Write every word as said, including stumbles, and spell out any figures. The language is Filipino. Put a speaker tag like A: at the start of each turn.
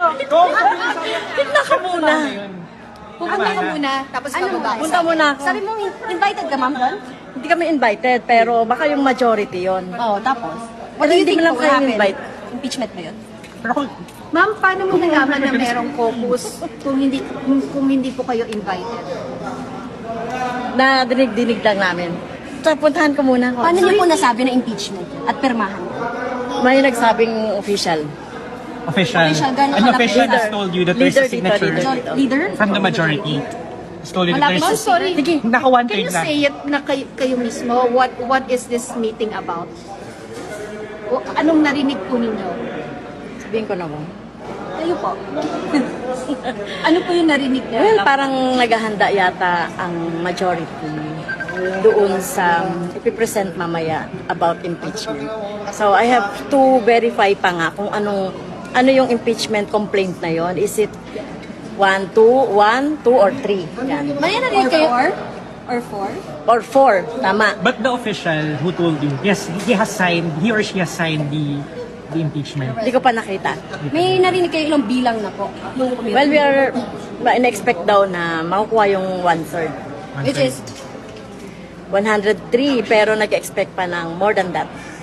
A: Tignan ka muna.
B: Pupunta ka muna, tapos
C: Ano
B: bababa.
C: mo?
A: Punta muna ako.
C: Sabi mo, invited ka, ma'am, doon?
A: Hindi kami invited, pero baka yung majority yon.
C: Oo, tapos?
A: What do you think
C: will
A: mo lang kayo
C: happen?
A: invite?
C: Impeachment ba yun?
B: Ma'am, paano mo nalaman na merong caucus kung hindi kung, kung hindi po kayo invited?
A: Na dinig-dinig lang namin. So, puntahan ko muna ako.
C: Paano niyo po nasabi na impeachment at pirmahan?
A: May nagsabing official.
D: Official.
C: Official, gano'n
D: An
C: kalaki?
D: official has
A: Leader.
D: told you that there's
A: Leader
D: a
A: dito,
D: signature
A: leader.
C: Leader?
D: from the majority. Has told you that
C: Malapit
B: Ma'am,
D: there's...
B: sorry.
A: Sige.
D: Naka one
B: Can
D: third
B: you
D: lang.
B: say it na kayo, kayo mismo? What what is this meeting about? O, anong narinig po ninyo?
A: Sabihin ko na mo.
B: Kayo po. Ano po yung narinig niyo?
A: Well, parang naghahanda yata ang majority doon sa ipipresent mamaya about impeachment. So I have to verify pa nga kung anong ano yung impeachment complaint na yon. Is it one, two, one, two, or three? Yan.
C: May narinig kayo? Or four?
A: Or four. Tama.
D: But the official who told you, yes, he has signed, he or she has signed the the impeachment.
A: Hindi ko pa nakita.
C: May narinig kayo ilang bilang na po? Nung committee?
A: Well, we are in-expect daw na makukuha yung one-third.
D: One
C: Which
D: third.
C: is,
A: one hundred three, pero nag-expect pa ng more than that.